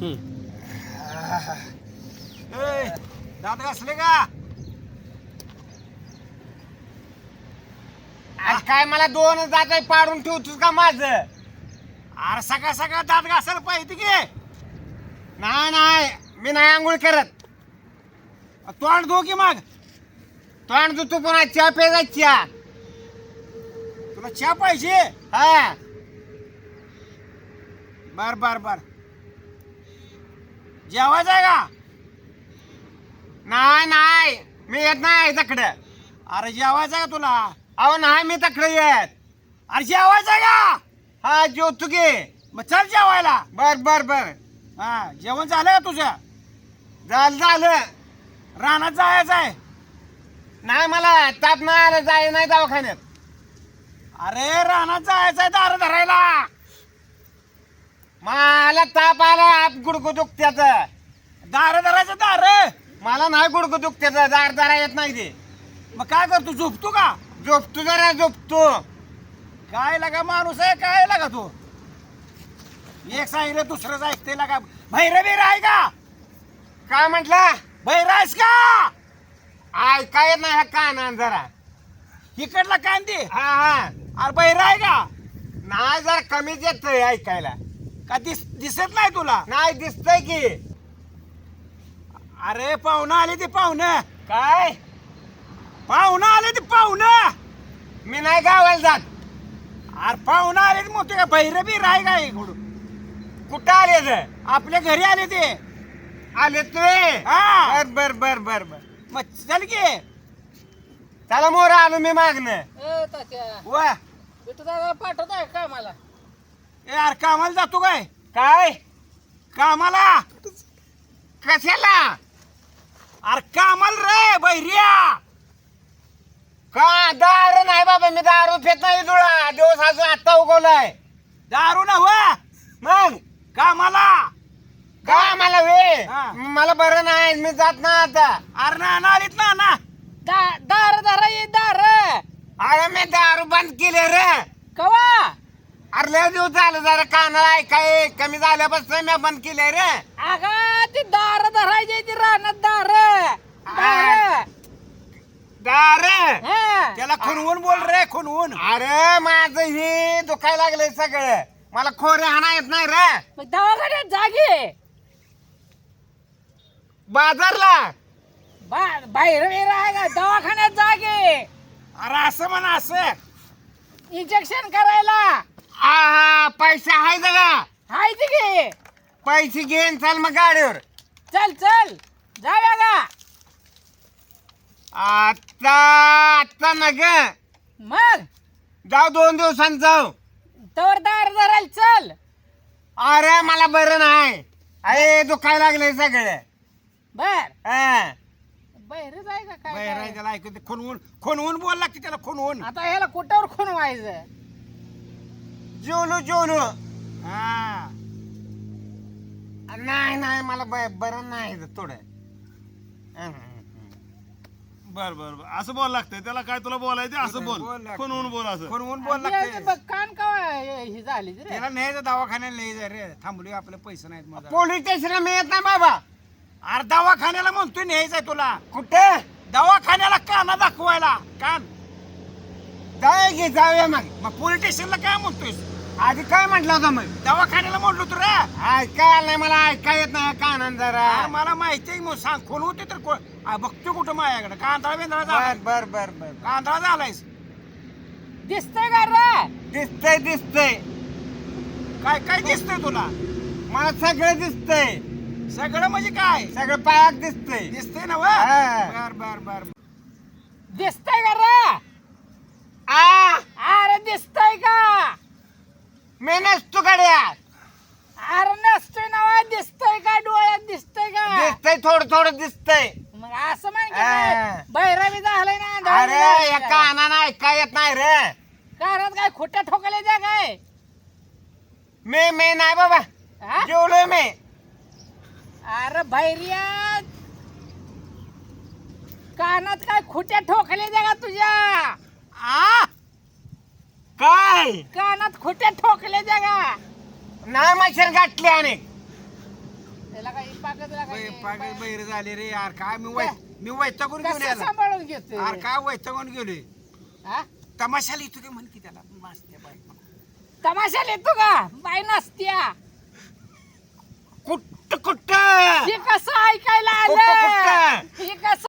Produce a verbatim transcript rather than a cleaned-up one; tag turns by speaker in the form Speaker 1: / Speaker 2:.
Speaker 1: दात घासले का?
Speaker 2: आज काय मला दोन दात पाडून ठेवतोस का माझं?
Speaker 1: अरे सकाळ सकाळ दात घासायला पाहिजे की.
Speaker 2: नाही नाही मी नाही आंघोळ करत.
Speaker 1: तोंड धो की मग.
Speaker 2: तोंड तू पुन्हा चहा प्यायचा चहा.
Speaker 1: तुला चहा पाहिजे?
Speaker 2: हा
Speaker 1: बर बर बर. जेवायचं आहे का?
Speaker 2: नाही नाही मी येत नाही तकडं.
Speaker 1: अरे जेवायचं आहे का तुला?
Speaker 2: अहो नाही मी तकडं येत.
Speaker 1: अरे जेवायचं आहे का?
Speaker 2: हा जेवतो की.
Speaker 1: मग चल जेवायला.
Speaker 2: बर बर बर
Speaker 1: हा जेवण झालं का तुझं?
Speaker 2: झालं झालं.
Speaker 1: रानात जायचं आहे.
Speaker 2: नाही मला ताप नाही आलं जाय नाही दवाखान्यात.
Speaker 1: अरे रानात जायचं आहे दार धरायला.
Speaker 2: मला ताप आला आप गुडघं दुखत्याचं.
Speaker 1: दार धरायचं दार.
Speaker 2: मला नाही गुडघं दुखत्याचं दार दारा येत नाही ते.
Speaker 1: मग काय करतो झोपतो का?
Speaker 2: झोपतो जरा झोपतो.
Speaker 1: काय लागा माणूस आहे काय लागा तू? एक सांगितलं दुसरंच ऐकते लागा. भैरवीर आहे का?
Speaker 2: काय म्हटलं?
Speaker 1: भैरायस का?
Speaker 2: ऐका येत नाही ह्या कानान जरा.
Speaker 1: इकडला कांदी.
Speaker 2: हा हा
Speaker 1: अरे बहिरा आहे का?
Speaker 2: नाही जरा कमीच येतंय ऐकायला.
Speaker 1: का दिस दिसत नाही तुला?
Speaker 2: नाही दिसतंय की.
Speaker 1: अरे पाहुणं आले ते पाहुणं.
Speaker 2: काय?
Speaker 1: पाहुणं आले ते पाहुणं.
Speaker 2: मी नाही गावाला जात.
Speaker 1: अरे पाहुणं आले ते मोठे का भैरवीर आहे का इकडून?
Speaker 2: कुठं आले तर?
Speaker 1: आपल्या घरी आले ते.
Speaker 2: आले तुम्ही?
Speaker 1: हा.
Speaker 2: बर बर बर बर बर.
Speaker 1: मग चल की.
Speaker 2: चला मोर आलो मी मागणं.
Speaker 3: ए तात्या
Speaker 1: वा
Speaker 3: बिटू दादा पाठवताय का मला?
Speaker 1: ए अरे कामाला जातो काय?
Speaker 2: काय?
Speaker 1: कामाला.
Speaker 2: कशाला?
Speaker 1: अरे कामाला रे बहिरिया.
Speaker 2: का दारू नाही बाबा मी दारू पेत नाही. तुला दिवस अजून आता उगवलाय.
Speaker 1: दारू ना वा.
Speaker 2: मग
Speaker 1: कामाला.
Speaker 2: काय मला वे
Speaker 1: हा.
Speaker 2: मला बरं नाही मी जात नाही आता.
Speaker 1: अरे ना ना आलीत ना ना.
Speaker 3: दा- दार दारा ये दार
Speaker 2: अरे मी दारू बंद केले रे.
Speaker 3: कवा?
Speaker 2: अरे लय दिवस झालं जरा कानाला ऐकाय कमी झाल्यापासून मी बंद केले रे.
Speaker 3: अगा ती दार धरायची ती रानात दार दार
Speaker 2: दार
Speaker 3: हा.
Speaker 1: त्याला खुनवून बोल रे खुनवून.
Speaker 2: अरे माझं हे दुखायला लागलंय सगळं. मला खोरे हाणा येत नाही रे.
Speaker 3: मग दवाखान्यात जागे.
Speaker 2: बाजारला
Speaker 3: बा- बाहेर बिर आहे का? दवाखान्यात जागे.
Speaker 1: अरे असं म्हणा असं.
Speaker 3: इंजेक्शन करायला
Speaker 2: हा पैसे आहे का?
Speaker 3: हाय ते घे.
Speaker 2: पैसे घेऊन चाल मग गाडीवर.
Speaker 3: चल चल जाऊया का?
Speaker 2: आता आता ना ग
Speaker 3: मग
Speaker 2: जाऊ दोन दिवसांनी जाऊ.
Speaker 3: तवर दार धरायला चल.
Speaker 2: अरे मला बरं नाही. अरे दुखायला लागलंय सगळं.
Speaker 3: बर
Speaker 2: हा.
Speaker 3: बाहेरच आहे का काय
Speaker 1: बहिरा
Speaker 3: काय?
Speaker 1: त्याला ऐकू दे. खुनवून खुनवून बोल लागते त्याला खुनवून.
Speaker 3: आता ह्याला कुठावर खून व्हायचं?
Speaker 2: जेवलो जेवलो.
Speaker 1: हा
Speaker 2: नाही नाही मला ब- बरं नाही थोडं.
Speaker 4: बर बर बर असं बोल लागतंय त्याला. काय तुला बोलायचं असं
Speaker 1: बोल
Speaker 4: बोल
Speaker 1: लागतंय.
Speaker 4: खुनवून बोल असं.
Speaker 1: खुनवून बोल
Speaker 3: आणि
Speaker 1: लागते.
Speaker 3: ते बघ, कान का ही झाली रे?
Speaker 1: त्याला न्यायचं दवाखान्याला न्यायचं रे. थांबली आपले पैसे नाहीत मग.
Speaker 2: पोलीस स्टेशनला मी येत नाही बाबा.
Speaker 1: अरे दवाखान्याला म्हणतोय न्यायचंय तुला.
Speaker 2: कुठे
Speaker 1: दवाखान्याला काना दाखवायला कान.
Speaker 2: जाऊया की जाऊया मग.
Speaker 1: मग पोलीस स्टेशनला काय म्हणतोय?
Speaker 2: आधी काय म्हटलं होतं मग?
Speaker 1: दवाखान्याला म्हणलो तू रे.
Speaker 2: ऐकाय आलं नाही मला. ऐकाय येत नाही कानान जरा.
Speaker 1: अरे मला माहिती आहे मग सांग. खून होते तर को- आ, बघतो कुठं माझ्याकडे. कांदळा बेंदळा
Speaker 2: बर
Speaker 1: झालाय.
Speaker 2: बर बर बर.
Speaker 1: कांदळा झालायस.
Speaker 3: दिसतंय का रे?
Speaker 2: दिसतंय दिसतंय.
Speaker 1: काय काय दिसतंय तुला?
Speaker 2: मला सगळं दिसतंय.
Speaker 1: सगळं म्हणजे काय?
Speaker 2: सगळं पायात दिसतंय.
Speaker 1: दिसतंय ना
Speaker 2: हा.
Speaker 1: बर बर बर.
Speaker 3: दिसतंय का रे?
Speaker 2: आ
Speaker 3: अरे दिसतंय का?
Speaker 2: मी नसतो गड्या.
Speaker 3: अरे नसतोय ना. दिसतंय का? डोळ्यात दिसतंय का?
Speaker 2: दिसतंय थोडं थोडं दिसतंय.
Speaker 3: मग असं म्हण
Speaker 2: हा.
Speaker 3: बैराबी झालंय ना. आंधळा बी
Speaker 2: अरे
Speaker 3: झालाय
Speaker 2: या
Speaker 3: का?
Speaker 2: कानानं ऐकाय येत नाही रे.
Speaker 3: कानात काय खोट्या ठोकले द्या काय?
Speaker 2: मी मी नाही बाबा.
Speaker 3: हा?
Speaker 2: जेवलोय मी.
Speaker 3: अरे भैरिया कानात काय खोट्या ठोकले द्या का तुझ्या?
Speaker 2: आ काय
Speaker 3: कानात खोट्या ठोकले द्या का?
Speaker 2: नाही मच्छर गाठले आणि
Speaker 3: त्याला काही पाकच
Speaker 1: पागल बैर झाले रे यार काय मी वै मी वैतागून घेऊन
Speaker 3: कसं
Speaker 1: यायला
Speaker 3: सांभाळून घेतोय
Speaker 1: यार काय वैतागून गेलोय
Speaker 3: हा?
Speaker 1: तमाशाला येतो की म्हण की त्याला मस्त बाई
Speaker 3: तमाशाला येतो का बाई नसत्या
Speaker 1: कुठं कुठं
Speaker 3: हे कसं ऐकायला
Speaker 1: कुठं
Speaker 3: आलं
Speaker 1: कुठं
Speaker 3: हे कसं